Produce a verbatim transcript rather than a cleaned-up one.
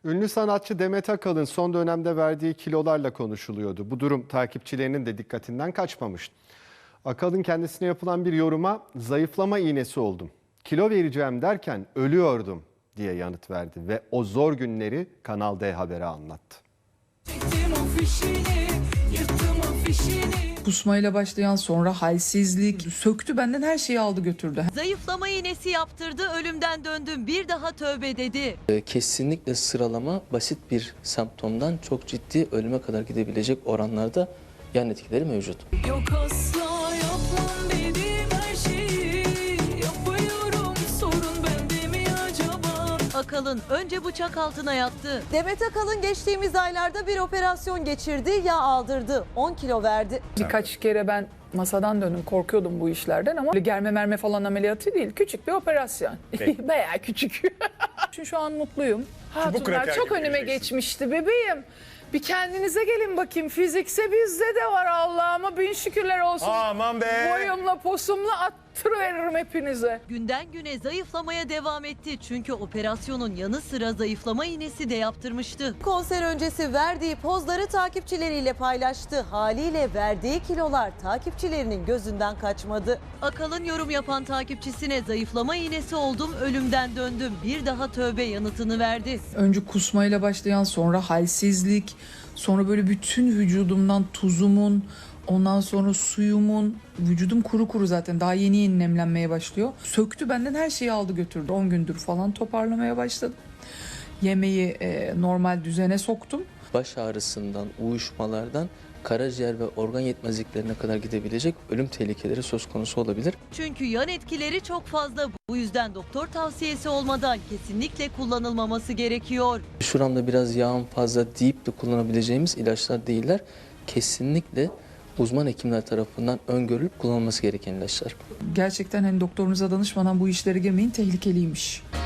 Ünlü sanatçı Demet Akalın son dönemde verdiği kilolarla konuşuluyordu. Bu durum takipçilerinin de dikkatinden kaçmamış. Akalın kendisine yapılan bir yoruma zayıflama iğnesi oldum. Kilo vereceğim derken ölüyordum diye yanıt verdi ve o zor günleri Kanal D Haber'e anlattı. Kusmayla başlayan sonra halsizlik söktü benden, her şeyi aldı götürdü. Zayıflama iğnesi yaptırdı, ölümden döndüm, bir daha tövbe dedi. Kesinlikle sıralama basit bir semptomdan çok ciddi ölüme kadar gidebilecek oranlarda yan etkileri mevcut. Yok asla yapmam dediğim her şeyi yapıyorum, sorun bende mi acaba? Akalın önce bıçak altına yattı. Demet Akalın geçtiğimiz aylarda bir operasyon geçirdi, yağ aldırdı, on kilo verdi. Birkaç kere ben masadan döndüm, korkuyordum bu işlerden ama germe merme falan ameliyatı değil, küçük bir operasyon. Bayağı küçük. Çünkü şu an mutluyum. Hatunlar çok önüme geçmişti bebeğim. Bir kendinize gelin bakayım, fizikse bizde de var Allah'ıma bin şükürler olsun. Aman be. Boyumla posumla attırıveririm hepinize. Günden güne zayıflamaya devam etti. Çünkü operasyonun yanı sıra zayıflama iğnesi de yaptırmıştı. Konser öncesi verdiği pozları takipçileriyle paylaştı. Haliyle verdiği kilolar takipçilerinin gözünden kaçmadı. Akalın yorum yapan takipçisine zayıflama iğnesi oldum, ölümden döndüm, bir daha tövbe yanıtını verdi. Önce kusmayla başlayan, sonra halsizlik, sonra böyle bütün vücudumdan tuzumun, ondan sonra suyumun, vücudum kuru kuru zaten daha yeni yeni nemlenmeye başlıyor. Söktü benden, her şeyi aldı götürdü. on gündür falan toparlamaya başladım. Yemeği e, normal düzene soktum. Baş ağrısından, uyuşmalardan karaciğer ve organ yetmezliklerine kadar gidebilecek ölüm tehlikeleri söz konusu olabilir. Çünkü yan etkileri çok fazla. Bu yüzden doktor tavsiyesi olmadan kesinlikle kullanılmaması gerekiyor. Şuramda biraz yağım fazla deyip de kullanabileceğimiz ilaçlar değiller. Kesinlikle uzman hekimler tarafından öngörülüp kullanılması gereken ilaçlar. Gerçekten hani doktorunuza danışmadan bu işlere girmeyin, tehlikeliymiş.